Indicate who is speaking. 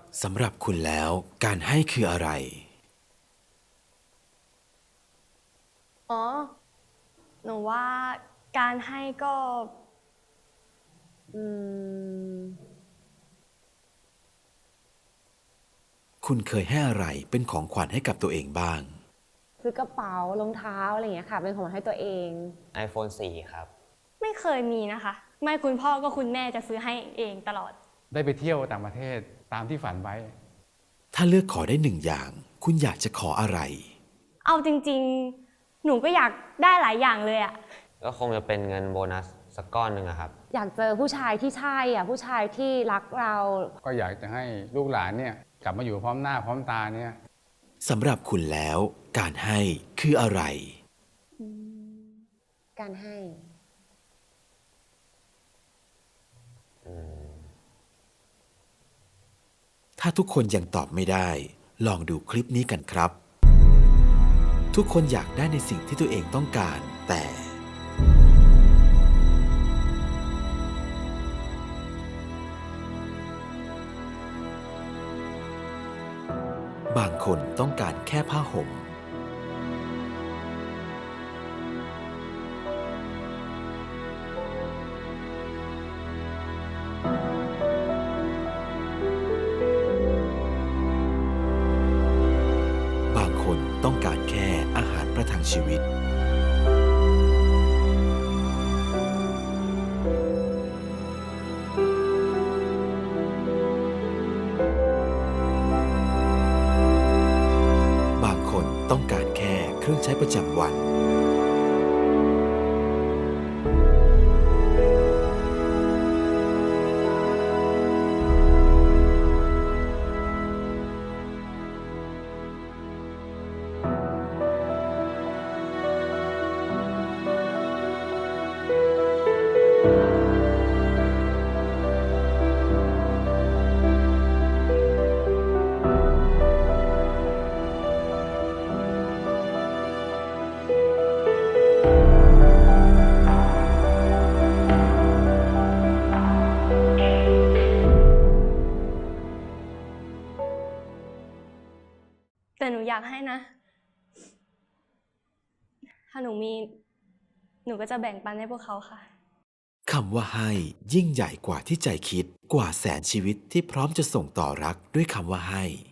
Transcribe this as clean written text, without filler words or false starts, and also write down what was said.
Speaker 1: สำหรับคุณแล้วการให้คืออะไร
Speaker 2: อ๋อ หนูว่าการให้ก็ อืม
Speaker 1: คุณเคยให้อะไรเป็นของขวัญให้กับตัวเองบ้าง
Speaker 3: ซื้อกระเป๋ารองเท้าอะไรอย่างเงี้ยค่ะเป็นของขวัญให้ตัวเอง
Speaker 4: iPhone 4 ครับ
Speaker 2: ไม่เคยมีนะคะ ไม่คุณพ่อก็คุณแม่จะซื้อให้เองตลอด
Speaker 5: ได้ไปเที่ยวต่างประเทศตามที่ฝันไว้
Speaker 1: ถ้าเลือกขอได้หนึ่งอย่าง คุณอยากจะขออะไร
Speaker 2: เอาจริงๆ หนูก็อยากได้หลายอย่างเลยอะ
Speaker 4: ก็คงจะเป็นเงินโบนัสสักก้อนหนึ่งอะครับ
Speaker 3: อยากเจอผู้ชายที่ใช่อ่ะผู้ชายที่รักเรา
Speaker 5: ก็อยากจะให้ลูกหลานเนี่ยกลับมาอยู่พร้อมหน้าพร้อมตาเนี่ย
Speaker 1: สำหรับคุณแล้วการให้คืออะไร
Speaker 3: การให้
Speaker 1: ถ้าทุกคนยังตอบไม่ได้ ลองดูคลิปนี้กันครับ ทุกคนอยากได้ในสิ่งที่ตัวเองต้องการ แต่ บางคนต้องการแค่ผ้าห่ม บางคนต้องการแค่อาหารประทังชีวิต บางคนต้องการแค่เครื่องใช้ประจำวัน
Speaker 2: แต่หนูอยากให้นะ ถ้าหนูมี หนูก็จะแบ่งปันให้พวกเขาค่ะ
Speaker 1: คำว่าให้ยิ่งใหญ่กว่าที่ใจคิด กว่าแสนชีวิตที่พร้อมจะส่งต่อรักด้วยคำว่าให้